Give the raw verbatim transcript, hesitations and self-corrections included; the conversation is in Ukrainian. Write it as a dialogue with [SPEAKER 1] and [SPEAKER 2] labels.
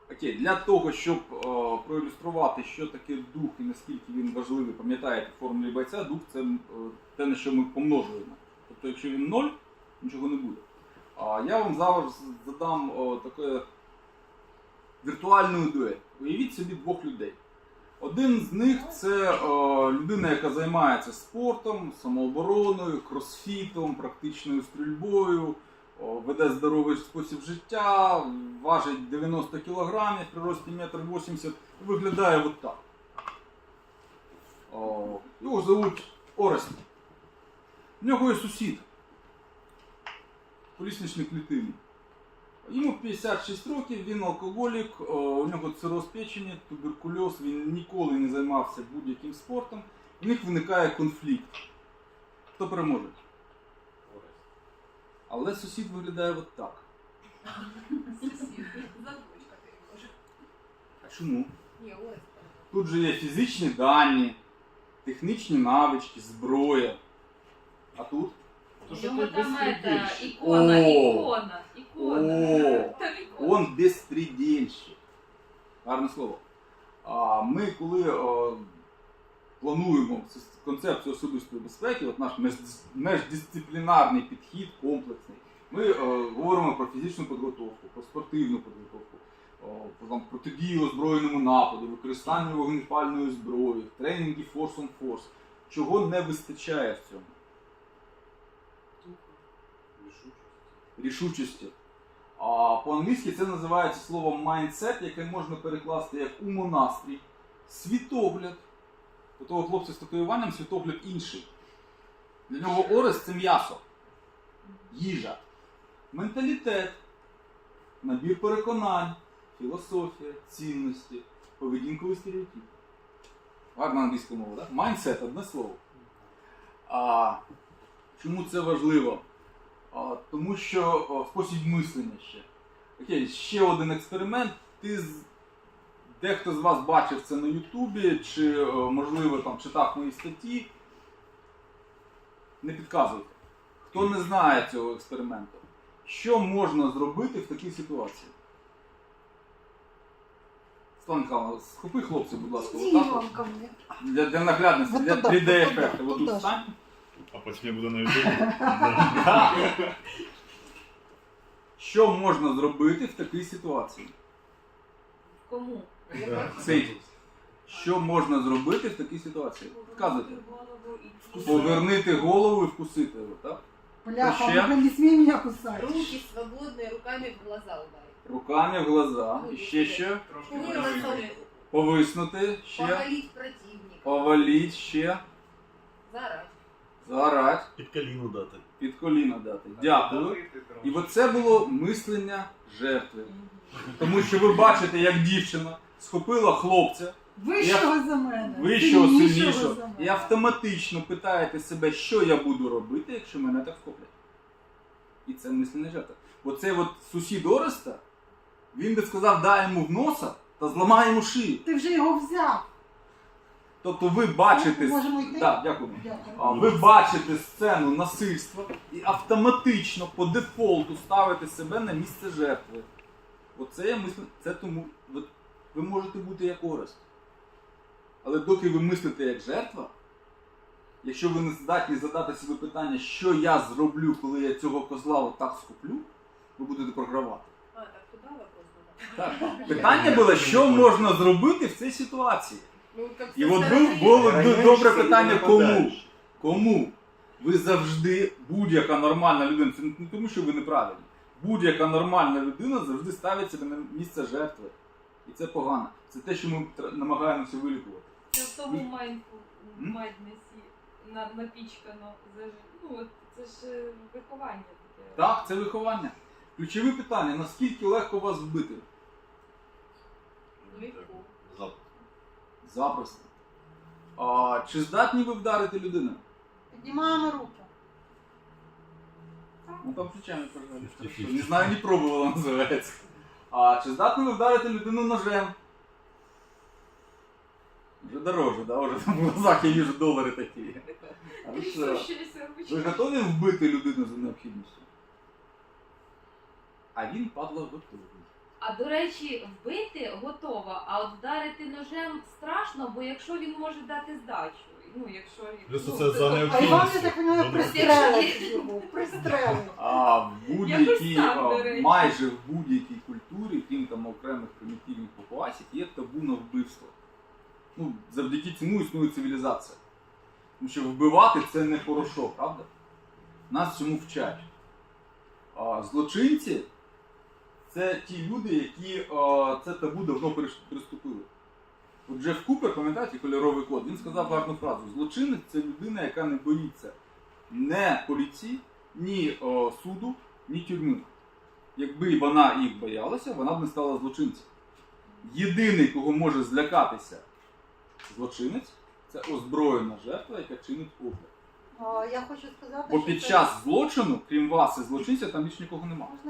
[SPEAKER 1] Окей, для того, щоб е, проілюструвати, що таке дух і наскільки він важливий, пам'ятаєте, в формулі бойця, дух це е, те, на що ми помножуємо. Тобто, якщо він ноль, нічого не буде. А я вам зараз задам о, таке віртуальну дуель. Уявіть собі двох людей. Один з них це о, людина, яка займається спортом, самообороною, кросфітом, практичною стрільбою, о, веде здоровий спосіб життя, важить дев'яносто кілограмів, при рості метр вісімдесят і виглядає от так. О, його звуть Орест. В нього є сусід по лісничній клітині. Йому п'ятдесят шість років, він алкоголік, у нього цироз печені, туберкульоз, він ніколи не займався будь-яким спортом. У них виникає конфлікт. Хто переможе? Але сусід виглядає от так. А чому? Тут же є фізичні дані, технічні навички, зброя. А тут?
[SPEAKER 2] Йому там это, икона, икона, икона.
[SPEAKER 1] О, он безпредельщик. Гарне слово. А ми, коли о, плануємо концепцію особистої безпеки, от наш междисциплінарний підхід, комплексний, ми о, говоримо про фізичну підготовку, про спортивну підготовку, о, про там, протидію озброєному нападу, використання вогнепальної зброї, тренінги force on force. Чого не вистачає в цьому? Рішучості. А по-англійськи це називається словом mindset, яке можна перекласти як умонастрій, світогляд. У того хлопця з татуюванням світогляд інший. Для нього Орест – це м'ясо, їжа, менталітет, набір переконань, філософія, цінності, поведінковий стереотип. Гарна англійська мова, так? Mindset – одне слово. А чому це важливо? А, тому що о, спосіб мислення ще. Окей, ще один експеримент. Ти з... Дехто з вас бачив це на Ютубі, чи, о, можливо, там, читав мої статті. Не підказуйте. Хто не знає цього експерименту, що можна зробити в такій ситуації? Стан Михайловна, схопи хлопці, будь ласка, отак. Для, для наглядності, для три дэ ефекту. Вот тут встань.
[SPEAKER 3] А потім я буду на ютубі.
[SPEAKER 1] Що можна зробити в такій ситуації?
[SPEAKER 2] Кому?
[SPEAKER 1] Цей. Що можна зробити в такій ситуації? Вказуйте. Повернути голову і вкусити його, так?
[SPEAKER 4] Бляха,
[SPEAKER 1] Ще?
[SPEAKER 4] вы не смей меня кусать.
[SPEAKER 2] Руки свободные, руками в глаза ударить.
[SPEAKER 1] Руками в глаза. І ще що?
[SPEAKER 2] Вырваться,
[SPEAKER 1] Повиснути. Ще.
[SPEAKER 2] повалить противника.
[SPEAKER 1] Поваліть. Ще.
[SPEAKER 2] Зарать.
[SPEAKER 1] Заорать.
[SPEAKER 3] Під коліну дати.
[SPEAKER 1] Під коліно дати. Дякую. І оце було мислення жертви. Тому що ви бачите, як дівчина схопила хлопця,
[SPEAKER 4] Вищого за мене.
[SPEAKER 1] вищого,
[SPEAKER 4] сильнішого
[SPEAKER 1] сильнішого,
[SPEAKER 4] за мене.
[SPEAKER 1] і автоматично питаєте себе, що я буду робити, якщо мене так схоплять. І це мислення жертва. Оцей от сусід Ореста, він би сказав, дай йому в носа та зламай йому шию.
[SPEAKER 4] Ти вже його взяв.
[SPEAKER 1] Тобто ви бачите,
[SPEAKER 4] Можемо йти?
[SPEAKER 1] да, дякую.
[SPEAKER 4] Дякую.
[SPEAKER 1] А, ви бачите сцену насильства і автоматично по дефолту ставите себе на місце жертви. Оце я мислю, це тому, от, ви можете бути як Орест. Але доки ви мислите як жертва, якщо ви не здатні задати собі питання, що я зроблю, коли я цього козла отак схоплю, ви будете програвати.
[SPEAKER 2] А, так туда вопрос был?
[SPEAKER 1] Так. Питання було, що можна зробити в цій ситуації.
[SPEAKER 2] Ну, как
[SPEAKER 1] І
[SPEAKER 2] со
[SPEAKER 1] от
[SPEAKER 2] стороны.
[SPEAKER 1] було
[SPEAKER 3] Раніше
[SPEAKER 1] добре
[SPEAKER 3] це
[SPEAKER 1] питання,
[SPEAKER 3] було
[SPEAKER 1] кому?
[SPEAKER 3] подальше.
[SPEAKER 1] Кому? Ви завжди, будь-яка нормальна людина, це не тому, що ви неправильні, будь-яка нормальна людина завжди ставить себе на місце жертви. І це погано. Це те, що ми тр- намагаємося вилікувати.
[SPEAKER 5] Це в тому майнку,
[SPEAKER 1] М?
[SPEAKER 5] майднесі на, напічкано. за- Ну, от це ж е, виховання таке.
[SPEAKER 1] Так, це виховання. Ключове питання, наскільки легко вас вбити?
[SPEAKER 2] Легко.
[SPEAKER 3] Запах.
[SPEAKER 1] Запросто. А, чи здатні ви вдарити людину?
[SPEAKER 4] Піднімаємо руки.
[SPEAKER 1] Ну там включаємо, пожалуйста. Не знаю, не пробувала, називається. А чи здатні ви вдарити людину ножем? Вже дороже, да? Уже там в глазах я вижу долари такі. А ви що?
[SPEAKER 5] Трясущаяся
[SPEAKER 1] Ви
[SPEAKER 5] ручка.
[SPEAKER 1] готові вбити людину за необхідністю? А він, падла, готовий.
[SPEAKER 5] А до речі, вбити готово, а от вдарити ножем страшно, бо якщо він може дати здачу. Ну, якщо він.
[SPEAKER 3] Плюс
[SPEAKER 5] ну,
[SPEAKER 3] це за
[SPEAKER 4] А
[SPEAKER 3] необхідність.
[SPEAKER 4] Іван, я так розумію,
[SPEAKER 3] Ну,
[SPEAKER 4] пристрелить його. Пристрелить.
[SPEAKER 1] А в будь-якій,
[SPEAKER 5] Якось так,
[SPEAKER 1] а,
[SPEAKER 5] до речі.
[SPEAKER 1] майже в будь-якій культурі, крім там окремих примітивних попуасів, є табу на вбивство. Ну, завдяки цьому існує цивілізація. Тому що вбивати це не хорошо, правда? Нас цьому вчать. А злочинці це ті люди, які а, це табу давно переш- переступили. От Джеф Купер, пам'ятаєте, кольоровий код, він сказав гарну фразу: злочинець це людина, яка не боїться не поліції, ні о, суду, ні тюрми. Якби вона їх боялася, вона б не стала злочинцем. Єдиний, кого може злякатися злочинець, це озброєна жертва, яка чинить опір.
[SPEAKER 4] А, Я хочу сказати,
[SPEAKER 1] Бо
[SPEAKER 4] що
[SPEAKER 1] під
[SPEAKER 4] це-
[SPEAKER 1] час злочину, крім вас і злочинця, там більше нікого немає.